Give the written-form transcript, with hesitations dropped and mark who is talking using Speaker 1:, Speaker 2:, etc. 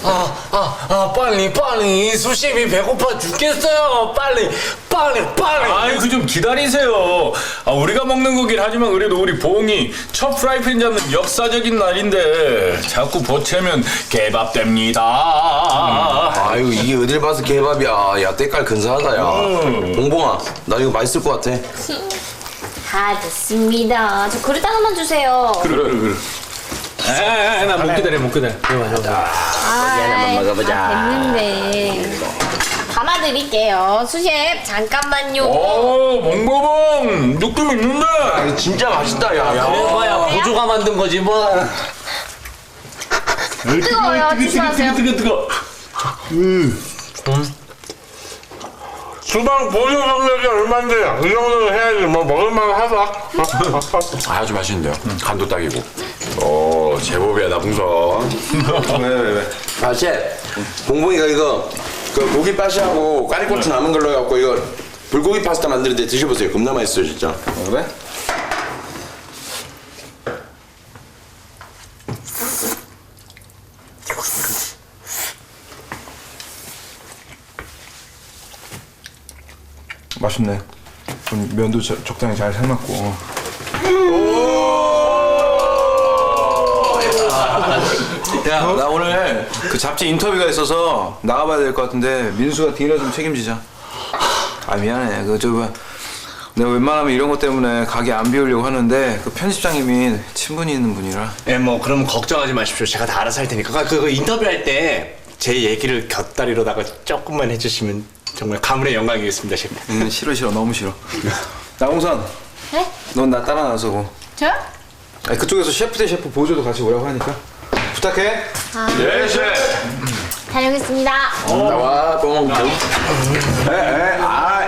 Speaker 1: 빨리 수심이 배고파 죽겠어요. 빨리.
Speaker 2: 아이고 좀 기다리세요. 우리가 먹는 거긴 하지만 그래도 우리 봉이 첫 프라이팬 잡는 역사적인 날인데 자꾸 보채면 개밥 됩니다.
Speaker 3: 아유 이게 어딜 봐서 개밥이야. 야 때깔 근사하다 야. 봉봉아 나 이거 맛있을 것 같아.
Speaker 4: 다 됐습니다. 저 그릇 하나만 주세요.
Speaker 2: 그래.
Speaker 1: 나 못 기다려.
Speaker 4: 하나만
Speaker 3: 먹어보자.
Speaker 4: 됐는데. 담아드릴게요. 수셰프 잠깐만요.
Speaker 2: 봉보봉 느낌 있는데.
Speaker 3: 이거 진짜 맛있다 야.
Speaker 1: 그래봐야 보조가 만든 거지 뭐.
Speaker 4: 뜨거워요. 조심하세요.
Speaker 2: 뜨거.
Speaker 5: 주방 보조 경력이 얼만데 이 정도는 해야지 뭐 먹을만 하다.
Speaker 6: 아주 맛있는데요. 간도 딱이고. 오 제법이야 나붕서.
Speaker 3: 왜? 아 셰프 봉봉이가 이거 그 고기 파시하고 까리고추 남은 걸로 해갖고 이거 불고기 파스타 만드는데 드셔보세요. 겁나 맛있어요 진짜.
Speaker 2: 그래?
Speaker 7: 맛있네. 좀 면도 적당히 잘 삶았고. 야, 나 오늘 그 잡지 인터뷰가 있어서 나가봐야 될 것 같은데 민수가 디너 좀 책임지자. 아 미안해. 내가 웬만하면 이런 것 때문에 가게 안 비우려고 하는데 그 편집장님이 친분이 있는 분이라.
Speaker 1: 예, 뭐 그럼 걱정하지 마십시오. 제가 다 알아서 할 테니까. 그거 인터뷰할 때 제 얘기를 곁다리로다가 조금만 해주시면 정말 가문의 영광이겠습니다, 셰프.
Speaker 7: 싫어 너무 싫어. 나홍선,
Speaker 4: 네?
Speaker 7: 넌 나 따라 나서고.
Speaker 4: 저요?
Speaker 7: 아니, 그쪽에서 셰프 대 셰프 보조도 같이 오라고 하니까 부탁해.
Speaker 2: 예, 셰프.
Speaker 4: 다녀오겠습니다.
Speaker 3: 나와 봉.
Speaker 7: 아